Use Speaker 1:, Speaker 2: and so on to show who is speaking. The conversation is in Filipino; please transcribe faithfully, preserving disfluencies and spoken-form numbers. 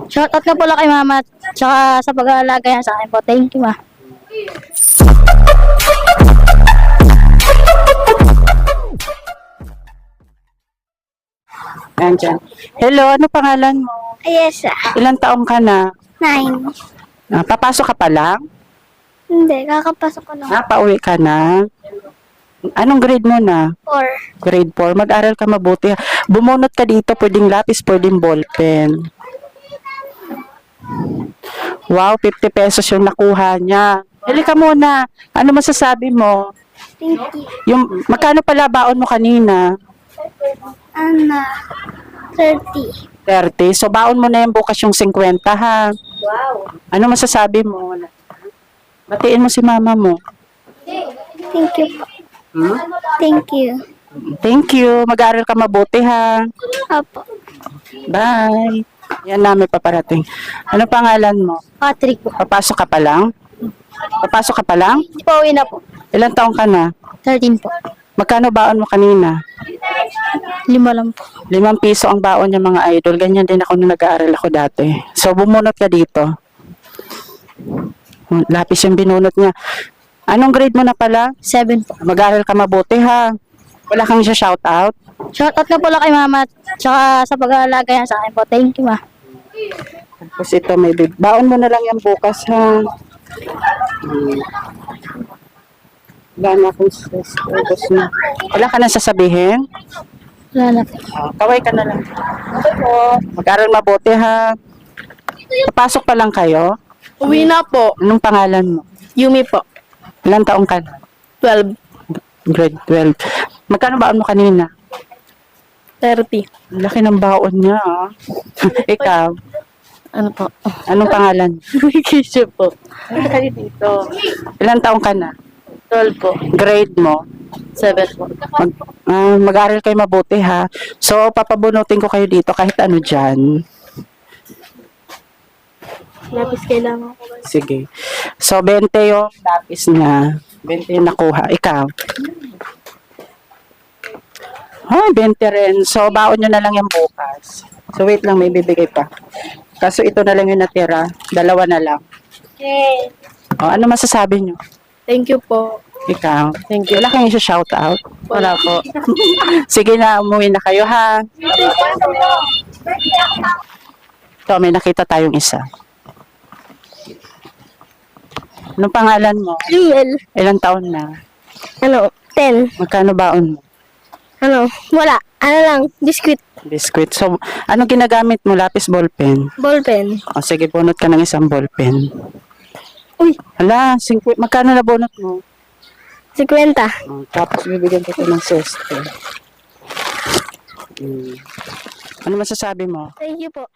Speaker 1: Shoutout na po lang kay mama at saka sa pag-aalaga yan sa akin po. Thank you, ma.
Speaker 2: Andyan. Hello, ano pangalan mo?
Speaker 1: Ayesa.
Speaker 2: Ilang taong ka na?
Speaker 1: Nine.
Speaker 2: Ah, papasok ka pa lang?
Speaker 1: Hindi, kakapasok ko lang.
Speaker 2: Ah, pauwi ka na? Anong grade mo na?
Speaker 1: Four.
Speaker 2: Grade four. Mag-aral ka mabuti. Bumunot ka dito, pwedeng lapis, pwedeng ballpen. Wow, fifty pesos yung nakuha niya. Hili ka muna. Ano masasabi mo?
Speaker 1: Thank you.
Speaker 2: Yung, magkano pala baon mo kanina?
Speaker 1: Ana. Thirty.
Speaker 2: thirty. So, baon mo na yung bukas yung fifty, ha?
Speaker 1: Wow.
Speaker 2: Ano masasabi mo? Batiin mo si mama mo.
Speaker 1: Thank you po.
Speaker 2: Hmm?
Speaker 1: Thank you.
Speaker 2: Thank you. Mag-aaral ka mabuti, ha?
Speaker 1: Opo.
Speaker 2: Bye. Yan namin paparating. Ano pangalan mo?
Speaker 1: Patrick po.
Speaker 2: Papasok ka pa lang? Papasok ka pa lang?
Speaker 1: Hindi pa uwi na po.
Speaker 2: Ilang taong ka na?
Speaker 1: Thirteen po.
Speaker 2: Magkano baon mo kanina?
Speaker 1: Lima lang po.
Speaker 2: Limang piso ang baon niya mga idol. Ganyan din ako nung nag-aaral ako dati. So, bumunot ka dito. Lapis yung binunot niya. Anong grade mo na pala?
Speaker 1: Seven po.
Speaker 2: Mag-aaral ka mabuti, ha? Wala kang siya shout out?
Speaker 1: Shoutout na po lang kay mama at saka sa pag-aalaga yan sa akin po. Thank you, ma.
Speaker 2: Tapos ito, may bib- baon mo na lang yan bukas, ha? Hmm. Wala na akong stress. Ubus na. Wala ka na sasabihin?
Speaker 1: Wala na po.
Speaker 2: Oh, kaway ka na lang. Okay po. Mag-aral mabuti, ha? Papasok pa lang kayo?
Speaker 1: Uwi na po.
Speaker 2: Anong pangalan mo?
Speaker 1: Yumi po.
Speaker 2: Ilang taong ka na?
Speaker 1: Twelve.
Speaker 2: Grade twelve. Magkano baon mo kanina?
Speaker 1: Thirty.
Speaker 2: Ang laki ng baon niya, ah. Ikaw,
Speaker 1: Ano po?
Speaker 2: anong pangalan?
Speaker 1: Vacation po.
Speaker 2: Ano kayo dito? Ilang taong ka na?
Speaker 1: Twelve po.
Speaker 2: Grade mo?
Speaker 1: Seven po.
Speaker 2: Mag, ah, mag-aaral kayo mabuti, ha? So, papabunutin ko kayo dito kahit ano dyan.
Speaker 1: Lapis kailangan ko.
Speaker 2: Sige. So, twenty yung lapis niya. twenty yung nakuha. Ikaw? Ah, twenty rin. So, baon nyo na lang yung bukas. So, wait lang, may bibigay pa. Kaso ito na lang yung natira. Dalawa na lang.
Speaker 1: Okay.
Speaker 2: O, ano masasabi nyo?
Speaker 1: Thank you po.
Speaker 2: Ikaw?
Speaker 1: Thank you.
Speaker 2: Wala kang isa-shout out?
Speaker 1: Wala po.
Speaker 2: Sige na, umuwi na kayo, ha? Ito, may nakita tayong isa. Anong pangalan mo?
Speaker 1: Riel.
Speaker 2: Ilang taon na?
Speaker 1: Ano? Ten.
Speaker 2: Magkano baon mo?
Speaker 1: Ano? Wala. Ano lang? Biscuit.
Speaker 2: Biscuit. So, anong ginagamit mo? Lapis, ballpen?
Speaker 1: Ballpen.
Speaker 2: O, sige, bunot ka ng isang ballpen.
Speaker 1: Uy.
Speaker 2: Hala, singkwit. Magkano na bunot mo?
Speaker 1: Sikwenta.
Speaker 2: O, tapos bibigyan ko ito ng sesto. Hmm. Ano masasabi mo?
Speaker 1: Thank you po.